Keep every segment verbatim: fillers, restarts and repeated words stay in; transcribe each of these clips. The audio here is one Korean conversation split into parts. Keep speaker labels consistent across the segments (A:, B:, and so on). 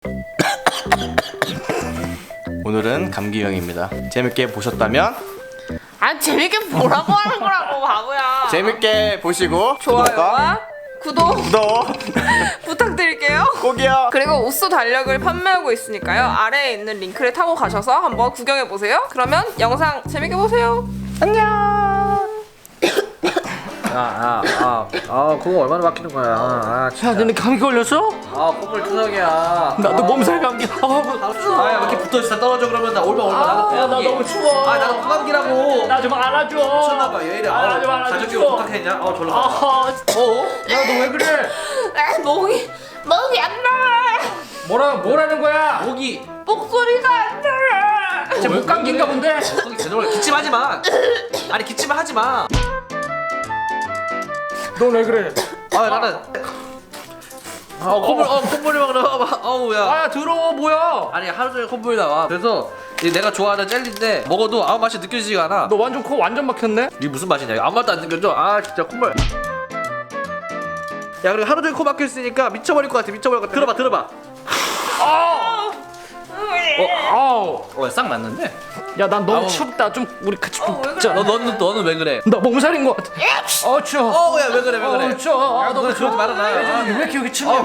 A: 오늘은 감기 유형입니다. 재밌게 보셨다면
B: 아 재밌게 보라고 하는 거라고 바보야.
A: 재밌게 보시고
B: 좋아요와 구독
A: 구독
B: 부탁드릴게요.
A: 꼭이요.
B: 그리고 옷소 달력을 판매하고 있으니까요. 아래에 있는 링크를 타고 가셔서 한번 구경해 보세요. 그러면 영상 재밌게 보세요. 안녕.
C: 아, 아, 아, 아, 그거 얼마나 막히는 거야? 아,
A: 야, 너네 감기 걸렸어?
C: 아, 콧물 투석이야.
A: 나도 몸살 감기.
C: 아, 야, 이렇게 붙어 있어. 떨어져 그러면 나 올면 얼마 나도
A: 야, 나 너무 추워.
C: 아, 나도 코감기라고.
A: 나 좀 알아줘.
C: 미쳤나봐. 왜 이래?
A: 알아줘,
C: 아,
A: 알아줘.
C: 가족이 어떡했냐? 아, 졸라.
A: 아, 어? 야, 너 왜 그래?
B: 아, 목이 목이 안 나와.
A: 뭐라 뭐라는 거야?
C: 목이.
B: 목소리가 안 나와.
A: 쟤 목 감기인가 본데.
C: 거기 제대로 기침하지 마. 아니 기침을 하지 마.
A: 너 왜 그래?
C: 아, 나는. 아, 콧물, 어, 콧물이 막 나와. 어우, 야.
A: 아, 더러워 뭐야?
C: 아니 하루 종일 콧물이 나와. 그래서 이 내가 좋아하는 젤리인데 먹어도 아무 맛이 느껴지지가 않아.
A: 너 완전 코 완전 막혔네.
C: 이게 무슨 맛이냐? 이거 아무 맛도 안 느껴져. 아 진짜 콧물. 야 그리고 하루 종일 코 막혀 있으니까 미쳐버릴 것 같아. 미쳐버릴 것 같아. 들어봐, 들어봐.
A: 아, 어,
C: 어, 싹 맞는데?
A: 야, 난 너무
C: 아우.
A: 춥다. 좀 우리 같이 좀
B: 어, 왜
A: 붙자.
C: 너 너는 너는 왜 그래?
A: 나 몸살인 것 같아. 어, 추워.
C: 어, 야 왜 그래? 왜 그래?
A: 어, 추워.
C: 야, 너 그러지 말아라. 아,
A: 왜 이렇게 여기 춥냐?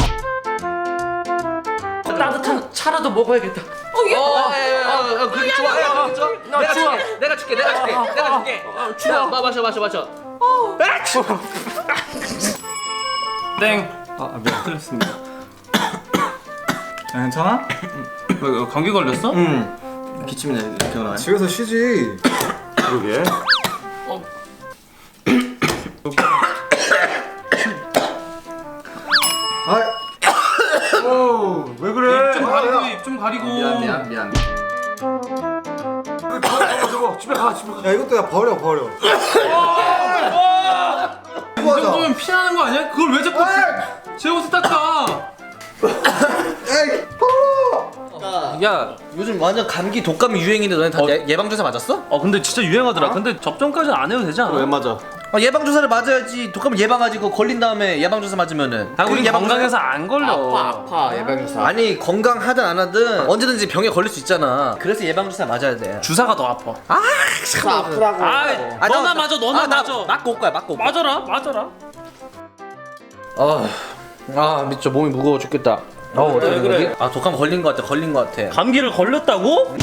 A: 따뜻한 차라도 먹어야겠다.
B: 어, 얘
C: 어, 야, 야, 야, 야, 그게 좋아. 야, 그게 좋아.
A: 나
C: 내가
A: 추워.
C: 줄게. 내가 줄게. 내가 줄게. 내가 줄게.
A: 추워.
C: 야, 마 마셔, 마셔, 마셔.
D: 땡. 아 미안 틀렸습니다. 야, 괜찮아? 왜 감기 걸렸어?
A: 응. 기침이 이렇게 나네.
E: 집에서 쉬지.
D: 그러게.
E: 아, 오, 왜 그래?
D: 좀 가리고 입 좀 가리고.
A: 미안, 미안, 미안.
E: 저거 저거 집에 가 집에 가. 야 이것도 야 버려 버려.
D: 이 정도면 피하는 거 아니야? 그걸 왜 자꾸 제 옷에 닦아?
E: 에이 버려.
C: 야, 요즘 완전 감기 독감이 유행인데 너네 다 예, 예방주사 맞았어?
D: 어 근데 진짜 유행하더라. 근데 접종까지는 안 해도 되지 않아?
A: 왜 맞아?
C: 아, 예방주사를 맞아야지. 독감을 예방하지. 그거 걸린 다음에 예방주사 맞으면은.
D: 아, 우리
C: 그게 예방주사야?
D: 건강해서 안 걸려.
A: 아파, 아파. 예방주사.
C: 아니 건강하든 안 하든 언제든지 병에 걸릴 수 있잖아. 그래서 예방주사 맞아야 돼.
D: 주사가 더 아파.
C: 아, 참
A: 아프다고.
D: 아,
C: 아,
D: 너나
C: 나-
D: 맞아, 너나
C: 아, 나
D: 맞아.
C: 맞고 올 거야, 맞고 올 거야.
D: 맞아라, 맞아라.
C: 아, 아, 미쳐 몸이 무거워 죽겠다. 어,
D: 왜 그래?
C: 아, 독감 걸린 거 같아, 걸린 거 같아.
D: 감기를 걸렸다고?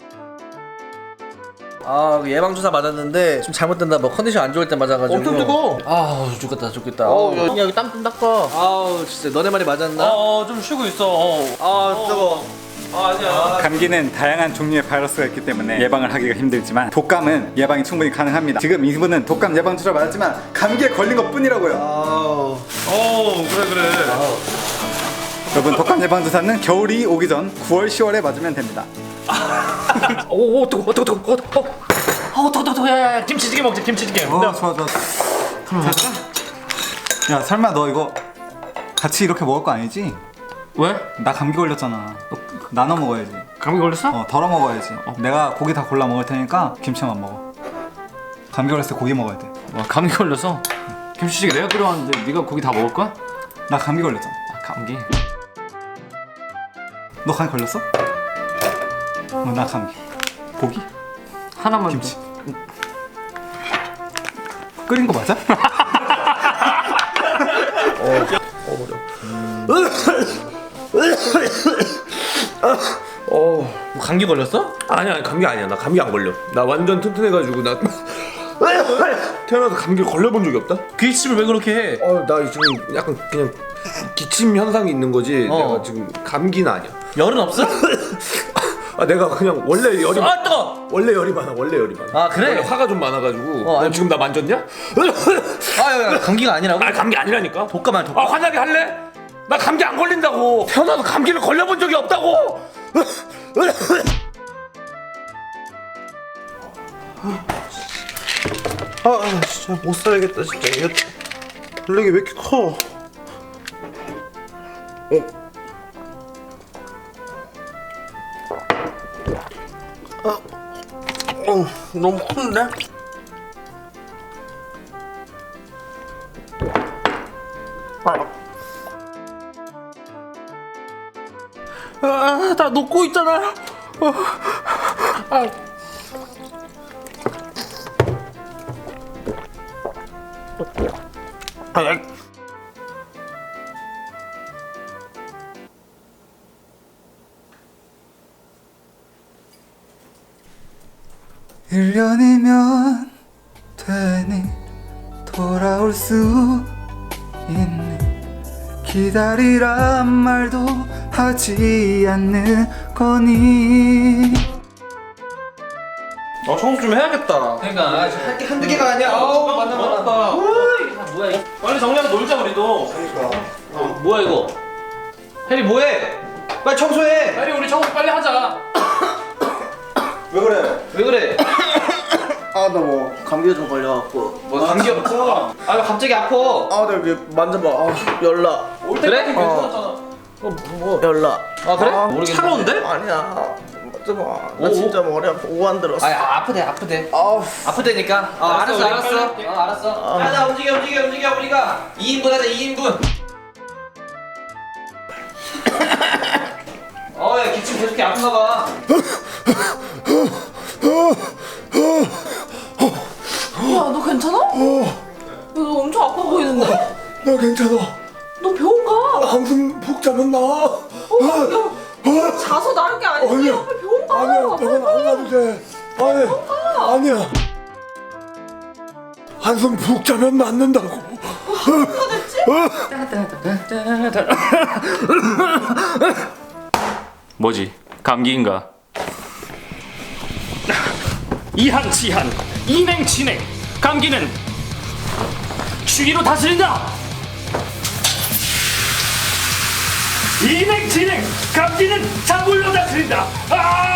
C: 아, 그 예방주사 맞았는데 좀 잘못된다. 뭐 컨디션 안 좋을 때 맞아가지고.
A: 엄청 뜨거워.
C: 아, 죽겠다, 죽겠다.
A: 어우,
C: 아우,
A: 야, 여기 땀 좀 닦아.
C: 아우, 진짜 너네 말이 맞았나?
D: 어, 좀 쉬고 있어. 어.
C: 아, 뜨거.
D: 아, 아니야.
E: 감기는 다양한 종류의 바이러스가 있기 때문에 예방을 하기가 힘들지만 독감은 예방이 충분히 가능합니다. 지금 이분은 독감 예방주사 맞았지만 감기에 걸린 것 뿐이라고요.
D: 어, 그래 그래.
E: 여러분 독감 예방주사는 겨울이 오기 전 구월, 시월에 맞으면 됩니다.
A: 오, 오, 뜨거, 뜨거, 뜨거, 뜨거. 어, 뜨거, 뜨거, 야, 야, 김치찌개 먹자, 김치찌개.
E: 어 좋아 좋아. 야 설마 너 이거 같이 이렇게 먹을 거 아니지?
A: 왜?
E: 나 감기 걸렸잖아. 나눠 먹어야지.
A: 감기 걸렸어?
E: 어 덜어 먹어야지. 내가 고기 다 골라 먹을 테니까 김치만 먹어. 감기 걸렸을 때 고기 먹어야 돼.
A: 와, 감기 걸렸어. 김치찌개 내가 끓여왔는데 네가 고기 다 먹을 거야?
E: 나 감기 걸렸잖아.
A: 아, 감기.
E: 너 감기 걸렸어? 어, 나 감기. 고기?
A: 하나만.
E: 김치. 끓인 거 맞아?
C: 뭐 감기 걸렸어?
F: 아니 아니 감기 아니야. 나 감기 안 걸려. 나 완전 튼튼해가지고 나 태어나서 감기 걸려본 적이 없다.
C: 기침을 왜 그렇게 해?
F: 어 나 지금 약간 그냥 기침 현상이 있는 거지.
C: 어.
F: 내가 지금 감기는 아니야.
C: 열은 없어?
F: 아 내가 그냥 원래 열이
C: 아, 뜨거!
F: 원래 열이 많아. 원래 열이 많아.
C: 아, 그래?
F: 원래 화가 좀 많아가지고.
C: 어,
F: 어,
C: 아니,
F: 지금 나 만졌냐?
C: 아, 야, 야, 감기가 아니라고?
F: 아 감기 아니라니까.
C: 독감 아니야, 독감.
F: 아 환하게 할래? 나 감기 안 걸린다고. 태어나서 감기를 걸려본 적이 없다고. 아 진짜 못 살겠다 진짜. 이거 블랙이 왜 이렇게 커? 어. 아, 어, 너무 큰데? 아. 아, 다 녹고 있잖아. 어. 아. 아.
E: 일 년이면 되니 돌아올 수 있니 기다리란 말도 하지 않는 거니.
C: 어 청소 좀 해야겠다.
A: 그러니까
C: 할게 한두 개가 아니야. 어우 맞나 맞나.
A: 뭐야 이거?
C: 빨리 정리하고 놀자 우리도.
A: 어, 뭐야 이거?
C: 해리 뭐해? 빨리 청소해.
D: 빨리 우리 청소 빨리 하자.
E: 왜 그래?
C: 왜 그래?
G: 아 나 뭐 감기가 좀 걸려갖고
C: 뭐 감기 없어? 아 왜 갑자기 아파?
G: 아나 여기 만져봐 아 열나
C: 올 때까지 괜찮았잖아.
G: 뭐 열나
C: 아 그래?
G: 아,
C: 모르겠네. 차가운데?
G: 아니야 만져봐 나
C: 오,
G: 진짜 머리 아파 오한 들었어
C: 아 아프대 아프대.
G: 아우
C: 아프대니까. 어, 알았어 알았어. 어 알았어. 야나 움직여 움직여 움직여 우리가 이 인분 하자 이 인분. 어야 기침 계속 아픈가 봐.
B: 야, 너 괜찮아? 야, 너 엄청 아파 보이는데?
F: 나 괜찮아.
B: 너 병원 가.
F: 한숨 푹 자면 나.
B: 어, 야, 자서 나을 게 아니지.
F: 아니야.
B: 빨리 병원 가.
F: 아니야, 병원 안 가도 돼. 아니, 아니야. 한숨 푹 자면 낫는다고.
A: 뭐지? 감기인가? 이한치한 이냉치냉 감기는 추위로 다스린다. 이냉치냉 감기는 찬물로 다스린다. 아!